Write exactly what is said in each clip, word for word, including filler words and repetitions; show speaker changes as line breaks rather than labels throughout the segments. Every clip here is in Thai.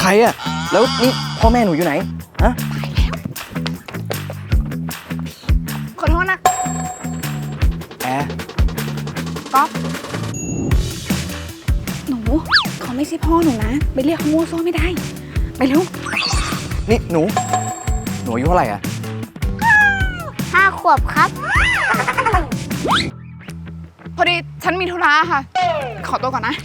ใครอะแล้วนี่พ่อแม่หนูอยู่ไหนฮะ
ขอโทษนะ
แอร์
ก๊อฟหนูเขาไม่ใช่พ่อหนูนะไปเรียกเขาโง่โซ่ไม่ได้ไปเร็ว
นี่หนูหนูอายุเท่าไหร่อะ
ห้าขวบครับ
พอดีฉันมีธุระค่ะขอตัวก่อนนะ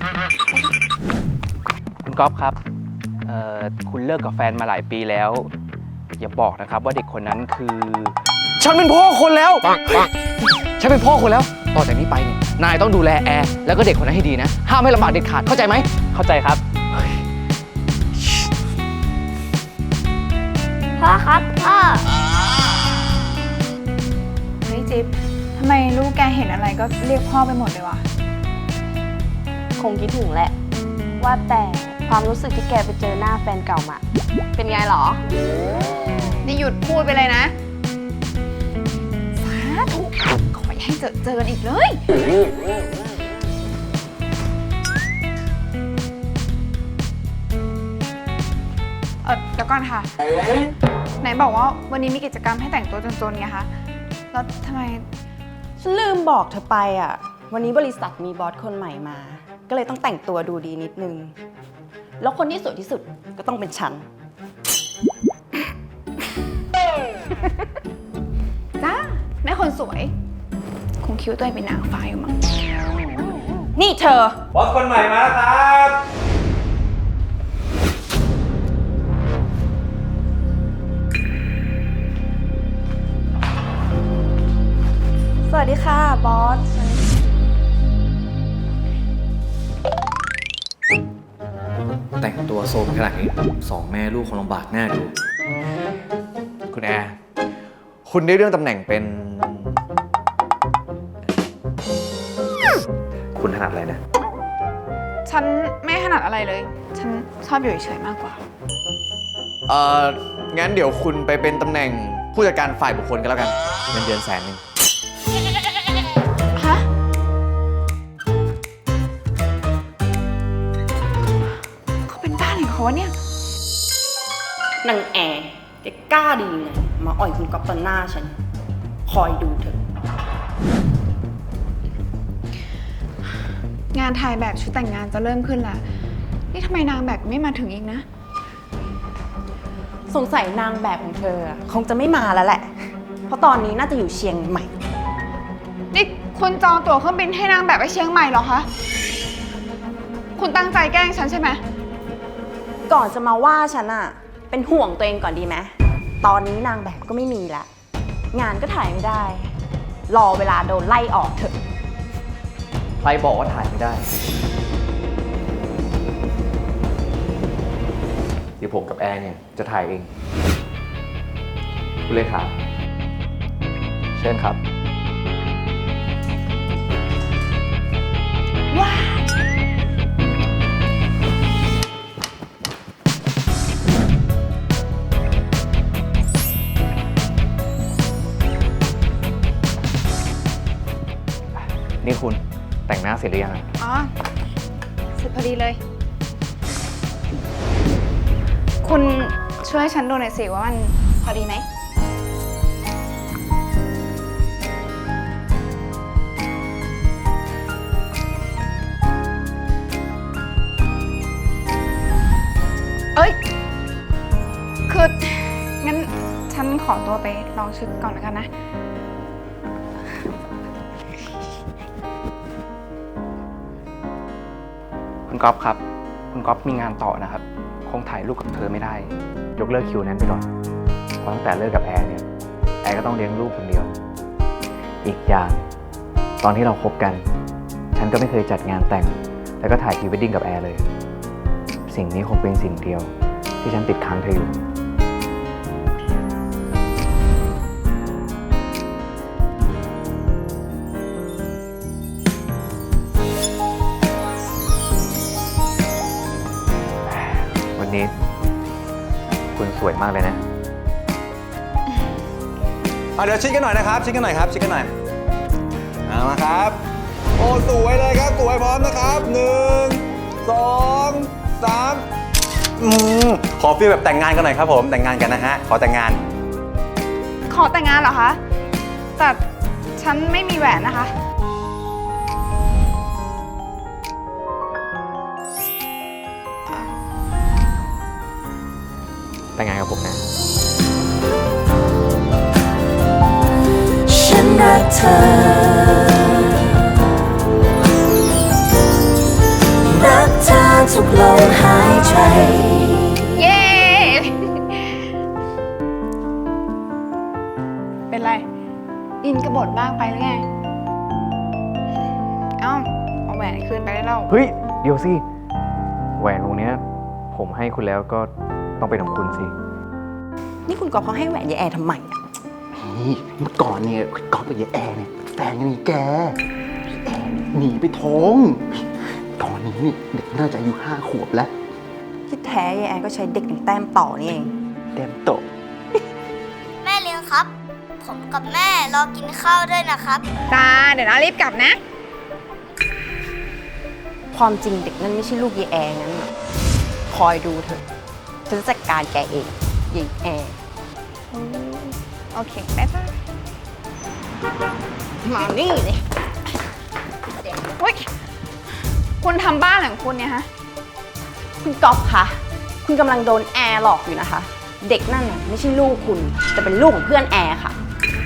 คุณก๊อฟครับเอ่อคุณเลิกกับแฟนมาหลายปีแล้วอย่าบอกนะครับว่าเด็กคนนั้นคือ
ฉันเป็นพ่อคนแล้วฉันเป็นพ่อคนแล้วต่อจากนี้ไปเนี่ยนายต้องดูแลแอร์แล้วก็เด็กคนนั้นให้ดีนะห้ามให้ลำบากเด็ดขาดเข้าใจไหม
เข้าใจครับ
พ่อครับพ่อ
เฮ้ยจิ๊บทำไมลูกแกเห็นอะไรก็เรียกพ่อไปหมดเลยวะ
คงคิดถึงแหละว่าแต่ความรู้สึกที่แกไปเจอหน้าแฟนเก่ามาเป็นไงหรอ
นี่หยุดพูดไปเลยนะสาธุขออย่าให้เจอเจอกันอีกเลยเออเดี๋ยวก่อนค่ะไหนบอกว่าวันนี้มีกิจกรรมให้แต่งตัวจนๆไงคะแล้วทำไม
ฉันลืมบอกเธอไปอ่ะวันนี้บริษัทมีบอสคนใหม่มาก็เลยต้องแต่งตัวดูดีนิดนึงแล้วคนที่สวยที่สุดก็ต้องเป็นฉัน
จ้าแม่คนสวยคงคิดว่าตัวเองเป็นนางฟ้าอยู่มั้ง
นี่เธอบ
อสคนใหม่มาแล้วครับ
สวัสดีค่ะบอส
แต่งตัวโซมขนาดนี้สองแม่ลูกคงลำบากแน่ดู
คุณแอร์คุณได้เรื่องตำแหน่งเป็นคุณถนัดอะไรนะ
ฉันไม่ถนัดอะไรเลยฉันชอบอยู่เฉยๆมากกว่า
เอ่องั้นเดี๋ยวคุณไปเป็นตำแหน่งผู้จัดการฝ่ายบุคคลกันแล้วกันเงินเดือนแสนหนึ่ง
ฮะเขาเป็นบ้าอะไรของเขาวะเนี่ย
นางแอร์แกกล้าดีไงมาอ่อยคุณก๊อฟตอนหน้าฉันคอยดูเถอะ
งานถ่ายแบบชุดแต่งงานจะเริ่มขึ้นแล้วนี่ทำไมนางแบบไม่มาถึงอีกนะ
สงสัยนางแบบของเธอคงจะไม่มาแล้วแหละเพราะตอนนี้น่าจะอยู่เชียงใหม่
นี่คุณจองตั๋วเครื่องบินให้นางแบบไปเชียงใหม่เหรอคะคุณตั้งใจแกล้งฉันใช่ไหม
ก่อนจะมาว่าฉันอะเป็นห่วงตัวเองก่อนดีไหมตอนนี้นางแบบก็ไม่มีละงานก็ถ่ายไม่ได้รอเวลาโดนไล่ออกเถอะ
ใครบอกว่าถ่ายไม่ได้เดี๋ยวผมกับแอร์เนี่ยจะถ่ายเองคุณเลขาเชิญครับ
ว้า
นี่คุณแต่งหน้าเสร็จหรือยัง
อ๋อเสร็จพอดีเลย คุณช่วยฉันดูหน่อยสิว่ามันพอดีไหมเอ้ยคืองั้นฉันขอตัวไปลองชุดก่อนแล้วกันนะ
คุณก๊อฟครับคุณก๊อฟมีงานต่อนะครับคงถ่ายรูปกับเธอไม่ได้ยกเลิกคิวนั้นไปก่อนเพราะตั้งแต่เลิกกับแอร์เนี่ยแอร์ก็ต้องเลี้ยงลูกคนเดียวอีกอย่างตอนที่เราคบกันฉันก็ไม่เคยจัดงานแต่งแล้วก็ถ่ายพรีเวดดิ้งกับแอร์เลยสิ่งนี้คงเป็นสิ่งเดียวที่ฉันติดค้างเธออยู่วันนี้คุณสวยมากเลยนะ
เดี๋ยวชิดกันหน่อยนะครับชิดกันหน่อยครับชิดกันหน่อยเอามาครับโอ้สวยเลยครับสวยพร้อมนะครับหนึ่งสองสามอืมขอฟีลแบบแต่งงานกันหน่อยครับผม แต่งงานกันนะฮะ ขอแต่งงาน
ขอแต่งงานเหรอคะ แต่ฉันไม่มีแหวนนะคะ
แต่งงานกับผมนะ
ฉันรักเธอ รักเธอทุกลมหายใจ
เย้ เป็นไร อินกระบทบ้างไปหรือไง เอ้า เอาแหวนคืนไปได้แล้ว
เฮ้ย เดี๋ยวสิ แหวนวงเนี้ย ผมให้คุณแล้วก็ต้องเป็นของคุณสิ
นี่คุณก๊อฟเขาให้แหวนยายแอร์ทำไมอะ
นี่เมื่อก่อนเนี่ยก๊อฟกับยายแอร์เนี่ยแฟนกันนี่แกยายแอร์เนี่ยหนีไปท้อง ตอนนี้นี่เด็กน่าจะอายุห้าขวบแล้ว
ที่แท้ยายแอร์ก็ใช้เด็กเป็นแต้มต่อนี่เอง
เต็มโตะ
แม่เลี้ยงครับ ผมกับแม่รอกินข้าวด้วยนะครับ
จ้า เดี๋ยวนะรีบกลับนะ
ความจริงเด็กนั่นไม่ใช่ลูกยายแอร์งั้นน่ะคอยดูเถอะฉันจะจัดการแกเองยายแอร์
โอเคบ๊ายบาย
มานี่เลย
เฮ้ย คุณทำบ้านของคุณเนี่ยฮะ
คุณก๊อฟคะคุณกำลังโดนแอร์หลอกอยู่นะคะ เด็กนั่นน่ะไม่ใช่ลูกคุณแต่เป็นลูกของเพื่อนแอร์ค่ะ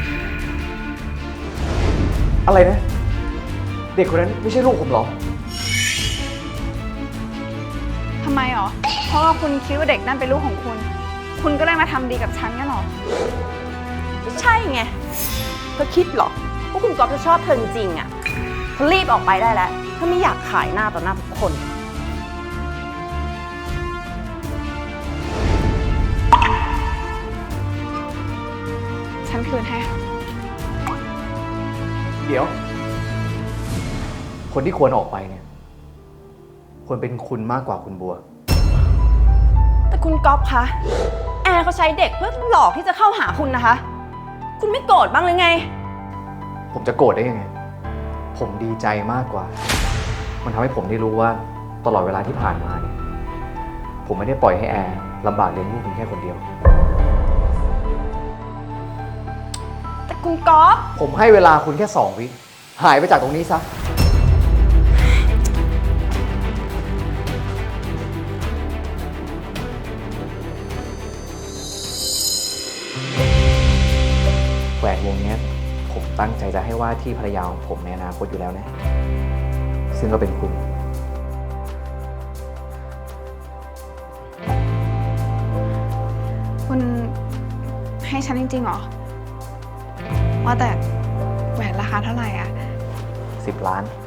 อะไรนะ เด็กคนนั้นไม่ใช่ลูกผมเหรอ
ทำไมหรอ เพราะว่าคุณคิดว่าเด็กนั่นเป็นลูกของคุณ คุณก็เลยมาทำดีกับฉันงั้นหรอ
ไม่ใช่ไงเธอคิดเหรอว่าคุณก๊อฟจะชอบเธอจริงๆอ่ะเธอรีบออกไปได้แล้วถ้าไม่อยากขายหน้าต่อหน้าทุกคน
ฉันคืนให้ค่ะ
เดี๋ยว คนที่ควรออกไปเนี่ย ควรเป็นคุณมากกว่าคุณบัว
แต่คุณก๊อฟคะแอร์เขาใช้เด็กเพื่อหลอกที่จะเข้าหาคุณนะคะ คุณไม่โกรธบ้างเลยไง
ผมจะโกรธได้ยังไง ผมดีใจมากกว่า มันทำให้ผมได้รู้ว่าตลอดเวลาที่ผ่านมาเนี่ย ผมไม่ได้ปล่อยให้แอร์ลำบากเลี้ยงลูกเพียงแค่คนเดียว
แต่คุณก๊อฟ
ผมให้เวลาคุณแค่สองวิ หายไปจากตรงนี้ซะ แหวนวงเนี้ย ผมตั้งใจจะให้ว่าที่ภรรยาของผมในอนาคตอยู่แล้วนะ ซึ่งก็เป็นคุณ
คุณให้ฉันจริงๆเหรอ ว่าแต่แหวนราคาเท่าไหร่อะ
สิบล้าน